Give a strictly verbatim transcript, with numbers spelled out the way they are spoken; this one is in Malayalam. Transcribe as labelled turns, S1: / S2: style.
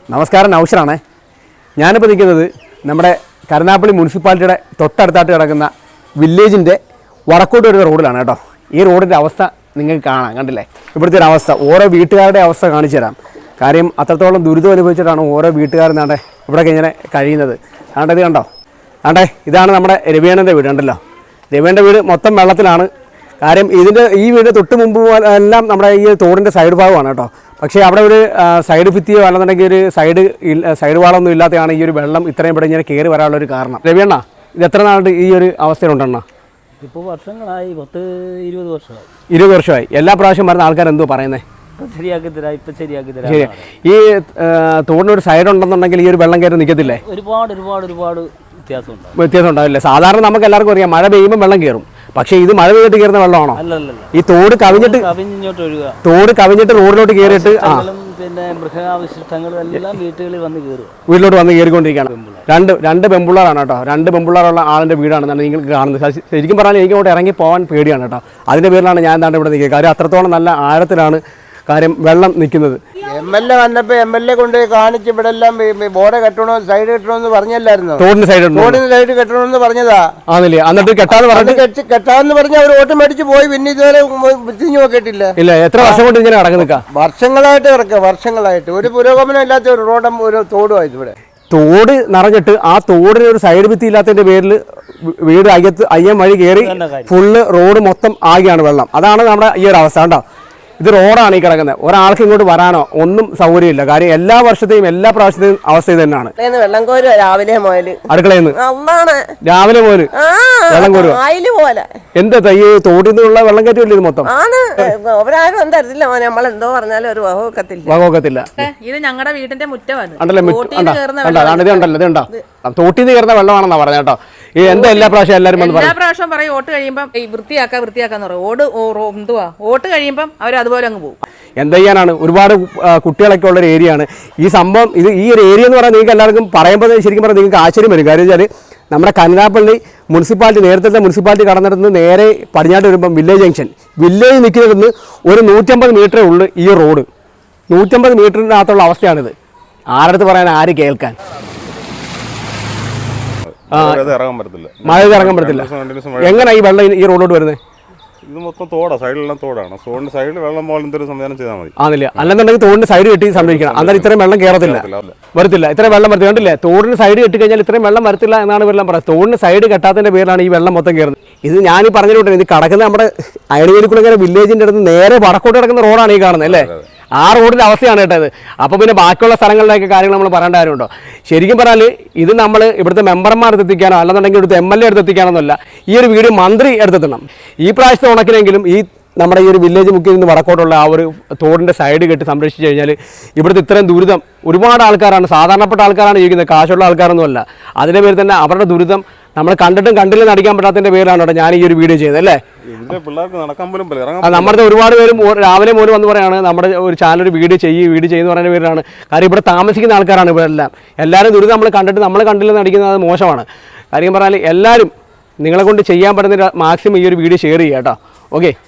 S1: നമസ്കാരം, നൗഷറാണേ. ഞാനിപ്പോൾ നിൽക്കുന്നത് നമ്മുടെ കരുനാഗപ്പള്ളി മുനിസിപ്പാലിറ്റിയുടെ തൊട്ടടുത്തായിട്ട് കിടക്കുന്ന വില്ലേജിൻ്റെ വടക്കോട്ട് വരുന്ന റോഡിലാണ് കേട്ടോ. ഈ റോഡിൻ്റെ അവസ്ഥ നിങ്ങൾക്ക് കാണാം, കണ്ടില്ലേ? ഇവിടുത്തെ ഒരു അവസ്ഥ, ഓരോ വീട്ടുകാരുടെ അവസ്ഥ കാണിച്ചു തരാം. കാര്യം അത്രത്തോളം ദുരിതം അനുഭവിച്ചിട്ടാണ് ഓരോ വീട്ടുകാരും നാട്ടെ ഇവിടെയൊക്കെ ഇങ്ങനെ കഴിയുന്നത്. ആണ്ടത് കണ്ടോ, ആണ്ടേ ഇതാണ് നമ്മുടെ രവിയണ്ണൻ്റെ വീട്, കണ്ടല്ലോ. രവിയണ്ണൻ്റെ വീട് മൊത്തം വെള്ളത്തിലാണ്. കാര്യം ഇതിൻ്റെ ഈ വീട് തൊട്ട് മുമ്പ് എല്ലാം നമ്മുടെ ഈ തോടിൻ്റെ സൈഡ് ഭാഗമാണ് കേട്ടോ. പക്ഷേ അവിടെ ഒരു സൈഡ് ഭിത്തിയോ അല്ലെന്നുണ്ടെങ്കിൽ ഒരു സൈഡ് സൈഡ് വാളൊന്നും ഇല്ലാത്തതാണ് ഈ ഒരു വെള്ളം ഇത്രയും ഇവിടെ ഇങ്ങനെ കയറി വരാനുള്ള ഒരു കാരണം. രവിയണ്ണ, ഇത് എത്ര നാളുണ്ട് ഈ ഒരു അവസ്ഥയിലുണ്ടെണ്ണ?
S2: ഇപ്പോൾ വർഷങ്ങളായി, പത്ത് ഇരുപത് വർഷമായി.
S1: ഇരുപത് വർഷമായി. എല്ലാ പ്രാവശ്യം വരുന്ന ആൾക്കാർ എന്തോ പറയുന്നത്?
S2: ശരിയാക്കി തരാം, ഇപ്പം ശരിയാക്കി തരാം.
S1: ശരി. ഈ തോടിനൊരു സൈഡ് ഉണ്ടെന്നുണ്ടെങ്കിൽ ഈ ഒരു വെള്ളം കയറി നിൽക്കത്തില്ലേ?
S2: ഒരുപാട് ഒരുപാട് ഒരുപാട് വ്യത്യാസമുണ്ട്.
S1: വ്യത്യാസം ഉണ്ടാവില്ലേ? സാധാരണ നമുക്ക് എല്ലാവർക്കും അറിയാം, മഴ പെയ്യുമ്പോൾ വെള്ളം കയറും. പക്ഷേ ഇത് മഴ പെയ്തിട്ട് കയറുന്ന വെള്ളമാണോ?
S2: അല്ലല്ല,
S1: ഈ തോട് കവിഞ്ഞിട്ട്
S2: കവിഞ്ഞോട്ട് ഒഴുകുക.
S1: തോട് കവിഞ്ഞിട്ട് റോഡിലോട്ട് കയറിയിട്ട്
S2: പിന്നെ മൃഗാവശിഷ്ടങ്ങളും എല്ലാം വീട്ടുകളിൽ വന്ന് കയറുക,
S1: വീട്ടിലോട്ട് വന്ന് കയറിക്കൊണ്ടിരിക്കുകയാണ്. രണ്ട് രണ്ട് പെമ്പിള്ളാറാണ് കേട്ടോ. രണ്ട് പെമ്പിള്ളാറുള്ള ആളിൻ്റെ വീടാണെന്നാണ് നിങ്ങൾക്ക് കാണുന്നത്. ശരിക്കും പറഞ്ഞാൽ എനിക്ക് അങ്ങോട്ട് ഇറങ്ങി പോകാൻ പേടിയാണ് കേട്ടോ. അതിൻ്റെ പേരിലാണ് ഞാൻ എന്താണ്ട് ഇവിടെ നിൽക്കുക. കാര്യം അത്രത്തോളം നല്ല ആഴത്തിലാണ് കാര്യം വെള്ളം നിൽക്കുന്നത്.
S3: എം എൽ എ വന്നപ്പോൾ എം എൽ എ കൊണ്ട് കാണിച്ച് ഇവിടെ എല്ലാം ബോർഡ് കെട്ടണോ സൈഡ് കെട്ടണമെന്ന് പറഞ്ഞല്ലായിരുന്നു?
S1: തോടിന് സൈഡ്
S3: തോടിന് സൈഡ് കെട്ടണമെന്ന് പറഞ്ഞതാ.
S1: ആണല്ലേ? എന്നിട്ട് കെട്ടാന്ന് പറഞ്ഞു
S3: കെട്ടാന്ന് പറഞ്ഞ് അവർ ഓട്ടം മേടിച്ച് പോയി. പിന്നെ ഇതുവരെ തിരിഞ്ഞു നോക്കിയിട്ടില്ല.
S1: ഇല്ല. എത്ര വർഷം കൊണ്ട് ഇങ്ങനെ കിടക്ക് നിൽക്കാം?
S3: വർഷങ്ങളായിട്ട് കിടക്കുക, വർഷങ്ങളായിട്ട്. ഒരു പുരോഗമനം ഇല്ലാത്ത ഒരു റോഡും ഒരു തോടുമായിരുന്നു ഇവിടെ.
S1: തോട് നിറഞ്ഞിട്ട് ആ തോടിന് ഒരു സൈഡ് ഭിത്തി ഇല്ലാത്തതിന്റെ പേരിൽ വീട് അയ്യത്ത് അയ്യം വഴി കയറി ഫുള്ള് റോഡ് മൊത്തം ആകെയാണ് വെള്ളം. അതാണ് നമ്മുടെ ഈ ഒരു അവസ്ഥ കണ്ടോ. ഇത് റോഡാണ് ഈ കിടക്കുന്നത്. ഒരാൾക്ക് ഇങ്ങോട്ട് വരാനോ ഒന്നും സൗകര്യമില്ല. കാര്യം എല്ലാ വർഷത്തെയും എല്ലാ പ്രാവശ്യത്തെയും അവസ്ഥ ഇത് തന്നെയാണ്.
S4: വെള്ളം കോരുക രാവിലെ മുതല്,
S1: അടുക്കളയിൽ നിന്ന് രാവിലെ മുതല് വെള്ളം കോരുക. എന്താ ഈ തോട്ടിൽ നിന്നുള്ള വെള്ളം കയറ്റില്ല ഇത് മൊത്തം?
S4: ആണ് അവരാരും തരത്തില്ല, നമ്മളെന്തോ പറഞ്ഞാലും ഒരു വകവെക്കത്തില്ല
S1: വകവെക്കത്തില്ല.
S4: ഇത് ഞങ്ങളുടെ വീടിന്റെ മുറ്റമാണ്.
S1: ഉണ്ടല്ലോ, ഇത് ഉണ്ടല്ലോ, ഇത് ഉണ്ടോ തോട്ടിൽ നിന്ന് കയറുന്ന വെള്ളമാണെന്നാ പറഞ്ഞ കേട്ടോ. ഈ എന്താ എല്ലാ പ്രാവശ്യം എല്ലാവരും
S4: എല്ലാ പ്രാവശ്യം പറയും ഓട്ട് കഴിയുമ്പം വൃത്തിയാക്കാ വൃത്തിയാക്കാന്ന് പറയും. ഓട് എന്തുവാ ഓട്ട് കഴിയുമ്പം അവർ അതുപോലെ അങ്ങ് പോകും.
S1: എന്താ ചെയ്യാനാണ്? ഒരുപാട് കുട്ടികളൊക്കെ ഉള്ളൊരു ഏരിയ ആണ് ഈ സംഭവം. ഇത് ഈ ഒരു ഏരിയ എന്ന് പറഞ്ഞാൽ നിങ്ങൾക്ക് എല്ലാവർക്കും പറയുമ്പോൾ ശരിക്കും പറഞ്ഞാൽ നിങ്ങൾക്ക് ആശ്ചര്യം വരും. കാര്യം വെച്ചാൽ നമ്മുടെ കരുനാഗപ്പള്ളി മുനിസിപ്പാലിറ്റി, നേരത്തെ മുനിസിപ്പാലിറ്റി കടന്നിടത്ത് നേരെ പടിഞ്ഞാട്ട് വരുമ്പം വില്ലേജ് ജംഗ്ഷൻ, വില്ലേജ് നിൽക്കുന്നിടത്ത് ഒരു നൂറ്റമ്പത് മീറ്ററേ ഉള്ളൂ ഈ റോഡ്. നൂറ്റമ്പത് മീറ്ററിനകത്തുള്ള അവസ്ഥയാണിത്. ആരടുത്ത് പറയാൻ, ആര് കേൾക്കാൻ? മഴ ഇറങ്ങാൻ പറ്റത്തില്ല. എങ്ങനെ ഈ വെള്ളം ഈ റോഡിലോട്ട് വരുന്നത്?
S5: ഇത് മൊത്തം തോടാ, സൈഡിലെല്ലാം തോടാണ്. തോടിന്റെ സൈഡിൽ വെള്ളം പോലെ എന്തൊരു സംവിധാനം ചെയ്താൽ മതി.
S1: ആണല്ലേ? അല്ലെന്നുണ്ടെങ്കിൽ തോടിന്റെ സൈഡ് കെട്ടി സംരക്ഷിക്കണം. അന്നേരം ഇത്രയും വെള്ളം കയറത്തില്ല, വരത്തില്ല. ഇത്രയും വെള്ളം വരത്തില്ല. കണ്ടില്ലേ? തോടിന് സൈഡ് കെട്ടി കഴിഞ്ഞാൽ ഇത്രയും വെള്ളം വരത്തില്ല എന്നാണ് ഇവരെല്ലാം പറയുന്നത്. തോടിന് സൈഡ് കെട്ടാത്തതിന്റെ പേരിലാണ് ഈ വെള്ളം മൊത്തം കയറുന്നത്. ഇത് ഞാൻ ഈ പറഞ്ഞിട്ടുണ്ട്, ഇത് കിടക്കുന്ന നമ്മുടെ അയണിവേലിക്കുളങ്ങര വില്ലേജിന്റെ അടുത്ത് നേരെ വടക്കോട്ട് കിടക്കുന്ന റോഡാണ് ഈ കാണുന്നത് അല്ലേ? ആ റോഡിൻ്റെ അവസ്ഥയാണ് കേട്ടത്. അപ്പോൾ പിന്നെ ബാക്കിയുള്ള സ്ഥലങ്ങളിലേക്ക് കാര്യങ്ങൾ നമ്മൾ പറയേണ്ട കാര്യമുണ്ടോ? ശരിക്കും പറഞ്ഞാൽ ഇത് നമ്മൾ ഇവിടുത്തെ മെമ്പർമാർ എടുത്തെത്തിക്കാനോ അല്ലെന്നുണ്ടെങ്കിൽ ഇവിടുത്തെ എം എൽ എ എടുത്തെത്തിക്കാനോ എന്നല്ല, ഈ ഒരു വീഡിയോ മന്ത്രി എടുത്തെത്തണം. ഈ പ്രാവശ്യത്തെ ഉണക്കിനെങ്കിലും ഈ നമ്മുടെ ഈ ഒരു വില്ലേജ് മുക്കിൽ നിന്ന് വടക്കോട്ടുള്ള ആ ഒരു തോടിൻ്റെ സൈഡ് കെട്ടി സംരക്ഷിച്ച് കഴിഞ്ഞാൽ ഇവിടുത്തെ ഇത്രയും ദുരിതം ഒരുപാട് ആൾക്കാരാണ്, സാധാരണപ്പെട്ട ആൾക്കാരാണ് ജീവിക്കുന്നത്, കാശുള്ള ആൾക്കാരൊന്നുമല്ല. അതിൻ്റെ പേരിൽ തന്നെ അവരുടെ ദുരിതം നമ്മൾ കണ്ടിട്ടും കണ്ടില്ലെന്ന് അടിക്കാൻ പറ്റാത്തതിൻ്റെ പേരിലാണ് കേട്ടോ ഞാൻ ഈ ഒരു വീഡിയോ ചെയ്തത് അല്ലേ?
S5: പിള്ളേർക്ക് നടക്കാൻ പോലും
S1: നമ്മുടെ ഒരുപാട് പേരും രാവിലെ പോലും വന്ന് പറയാണ് നമ്മുടെ ഒരു ചാനൽ ഒരു വീഡിയോ ചെയ്യും വീഡിയോ ചെയ്യുന്ന പറയുന്ന പേരിലാണ്. കാര്യം ഇവിടെ താമസിക്കുന്ന ആൾക്കാരാണ് ഇവിടെ എല്ലാം. എല്ലാവരും ദുരിതം നമ്മൾ കണ്ടിട്ട് നമ്മൾ കണ്ടില്ലെന്ന് അടിക്കുന്നത് മോശമാണ്. കാര്യം പറഞ്ഞാൽ എല്ലാവരും നിങ്ങളെ കൊണ്ട് ചെയ്യാൻ പറ്റുന്ന മാക്സിമം ഈ ഒരു വീഡിയോ ഷെയർ ചെയ്യുക കേട്ടോ. ഓക്കെ.